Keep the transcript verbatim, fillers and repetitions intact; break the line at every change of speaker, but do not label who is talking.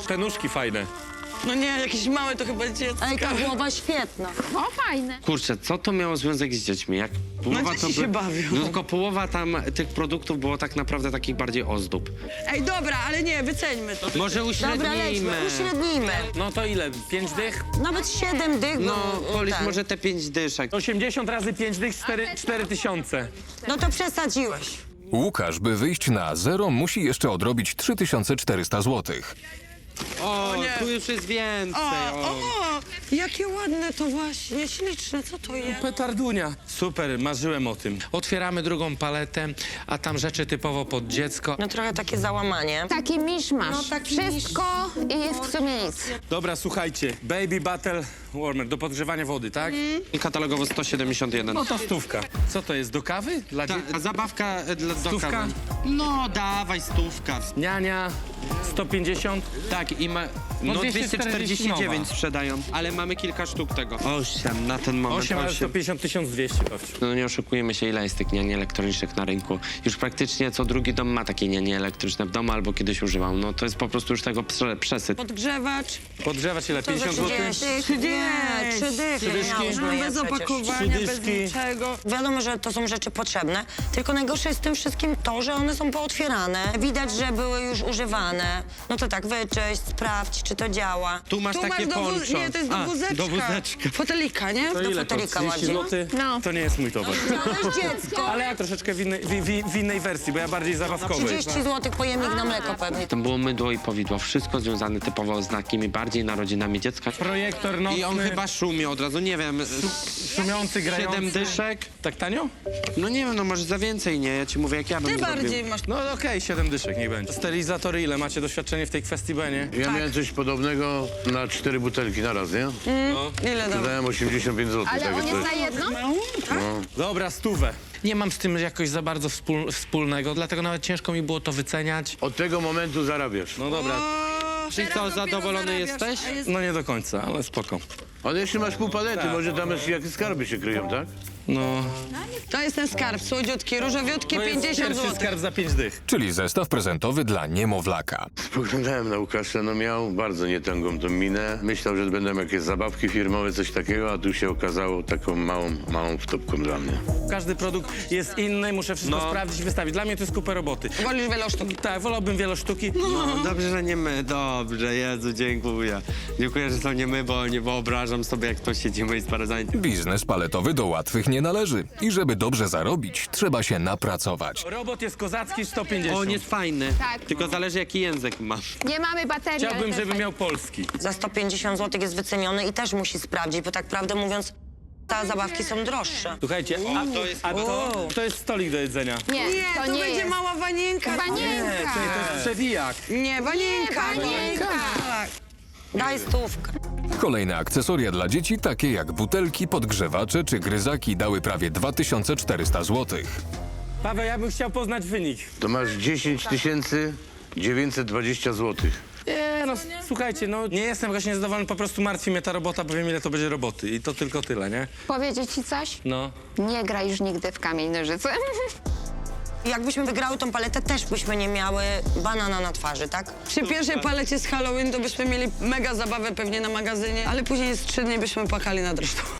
Te nóżki fajne.
No nie, jakieś małe to chyba dziecko.
Ej, ta głowa świetna.
O, fajne.
Kurczę, co to miało związek z dziećmi? Jak połowa
dzieci
to
się bawią.
No tylko połowa tam tych produktów było tak naprawdę takich bardziej ozdób.
Ej, dobra, ale nie, wyceńmy to.
Może
Dobra, lećmy,
uśrednijmy.
uśrednijmy.
No to ile? Pięć dych?
Nawet siedem dych,
No,
bo...
policz
ten.
może te pięć dyszek.
osiemdziesiąt razy pięć dych, cztery tysiące.
No to przesadziłeś.
Łukasz, by wyjść na zero, musi jeszcze odrobić trzy tysiące czterysta złotych.
O,
nie.
tu już jest więcej.
O,
O,
o, jakie ładne to właśnie, śliczne, co to jest?
Petardunia. Super, marzyłem o tym. Otwieramy drugą paletę, a tam rzeczy typowo pod dziecko.
No trochę takie załamanie.
Taki miszmasz.
No, taki
Wszystko i w sumie nic.
Dobra, słuchajcie. Baby Battle Warmer do podgrzewania wody, tak?
I katalogowo sto siedemdziesiąt jeden.
No to stówka. Co to jest, do kawy? Dla
Ta,
dzie-
a zabawka e, dla do
Stówka?
kawy. No, dawaj, stówka.
Niania sto pięćdziesiąt.
Tak, i ma...
No
No
dwieście
dwieście czterdzieści dziewięć
nowa.
sprzedają, ale mamy kilka sztuk tego. osiem na ten moment.
osiem, ale sto
osiem.
pięćdziesiąt tysiąc dwieście pewnie.
No nie oszukujemy się, ile jest tych niani elektronicznych na rynku. Już praktycznie co drugi dom ma takie nianie elektryczne w domu albo kiedyś używał. No to jest po prostu już tego prze przesyt.
Podgrzewacz.
Podgrzewać ile?
To za
pięćdziesiąt złotych?
trzydzieści. Nie, trzy dychy.
dyszki.
miałyśmy
No,
je
bez
przecież.
opakowania, bez
Trzydyszki.
niczego.
Wiadomo, że to są rzeczy potrzebne, tylko najgorsze jest w tym wszystkim to, że one są pootwierane. Widać, że były już używane. No to tak, wyczyść, sprawdź, czy to działa.
Tu masz
Tu
takie
masz do wóz...
poncho.
Nie, to jest do
A,
wózeczka.
do wózeczka.
Fotelika, nie?
To
Do
ile to?
fotelika
trzydzieści
ładnie.
złotych?
No.
To nie jest mój towar.
To jest dziecko.
Ale ja troszeczkę w innej, w, w, w innej wersji, bo ja bardziej zabawkowej.
trzydzieści złotych pojemnik na mleko pewnie.
Tam było mydło i powidło. Wszystko związane typowo z takimi bardziej narodzinami dziecka.
Projektor nocny.
I on chyba szumi od razu, nie wiem.
Szumiący, grający.
Siedem dyszek.
Tak tanio?
No nie wiem, no może za więcej, nie? Ja ci mówię, jak ja bym
Ty
zrobił.
bardziej masz.
No okej, siedem dyszek, niech będzie. Sterylizatory ile? Macie doświadczenie w tej kwestii, B, nie?
Ja miałem coś podobnego na cztery butelki na raz, nie?
Ile dał?
Wydałem osiemdziesiąt pięć złotych.
Ale
takie
on jest
coś.
na jedno?
Dobra, stówę. Nie mam z tym jakoś za bardzo wspól, wspólnego, dlatego nawet ciężko mi było to wyceniać.
Od tego momentu zarabiasz.
No dobra,
Czyli co, zadowolony jesteś?
no nie do końca, ale spoko.
Ale jeszcze masz pół palety, może tam jest, jakie skarby się kryją, tak?
No,
To jest ten skarb, słodziutki, różowiutki,
to jest
pięćdziesiąt
pierwszy
złotych.
skarb za pięć dych.
Czyli zestaw prezentowy dla niemowlaka.
Spoglądałem na Łukasza, no miał bardzo nietęgą tą minę. Myślał, że będą jakieś zabawki firmowe, coś takiego, a tu się okazało taką małą, małą wtopką dla mnie.
Każdy produkt jest inny, muszę wszystko
No.
sprawdzić i wystawić. Dla mnie to jest kupę roboty.
Wolisz wielosztuki.
Tak, wolałbym wielosztuki.
No, dobrze, że nie my. Dobrze, Jezu, dziękuję. Dziękuję, że to nie my, bo nie wyobrażam sobie, jak to siedzimy i sprawdzamy.
Biznes paletowy do łatwych nie należy. I żeby dobrze zarobić, trzeba się napracować.
Robot jest kozacki, sto pięćdziesiąt.
On jest fajny,
Tak.
tylko zależy, jaki język masz.
Nie mamy baterii. ale
Chciałbym,
to
żeby
jest
miał polski.
Za sto pięćdziesiąt złotych jest wyceniony i też musi sprawdzić, bo tak prawdę mówiąc, te zabawki są droższe.
Słuchajcie, a to jest, a to, to jest stolik do jedzenia.
fajne. Nie,
Nie,
to,
to
nie
będzie
jest.
mała wanienka.
Wanienka.
To jest przewijak.
Nie, wanienka.
Nie, wanienka.
Tak.
Daj stówkę.
Kolejne akcesoria dla dzieci, takie jak butelki, podgrzewacze czy gryzaki, dały prawie dwa tysiące czterysta złotych.
Paweł, ja bym chciał poznać wynik.
To masz dziesięć tysięcy dziewięćset dwadzieścia złotych.
Nie, no słuchajcie, no nie jestem właśnie niezadowolony, po prostu martwi mnie ta robota, bo wiem, ile to będzie roboty i to tylko tyle, nie?
Powiedzieć ci coś?
No.
Nie graj już nigdy w kamień nożyce.
Jakbyśmy wygrały tą paletę, też byśmy nie miały banana na twarzy, tak?
Przy pierwszej palecie z Halloween to byśmy mieli mega zabawę pewnie na magazynie, ale później z trzy dni byśmy płakali nad resztą.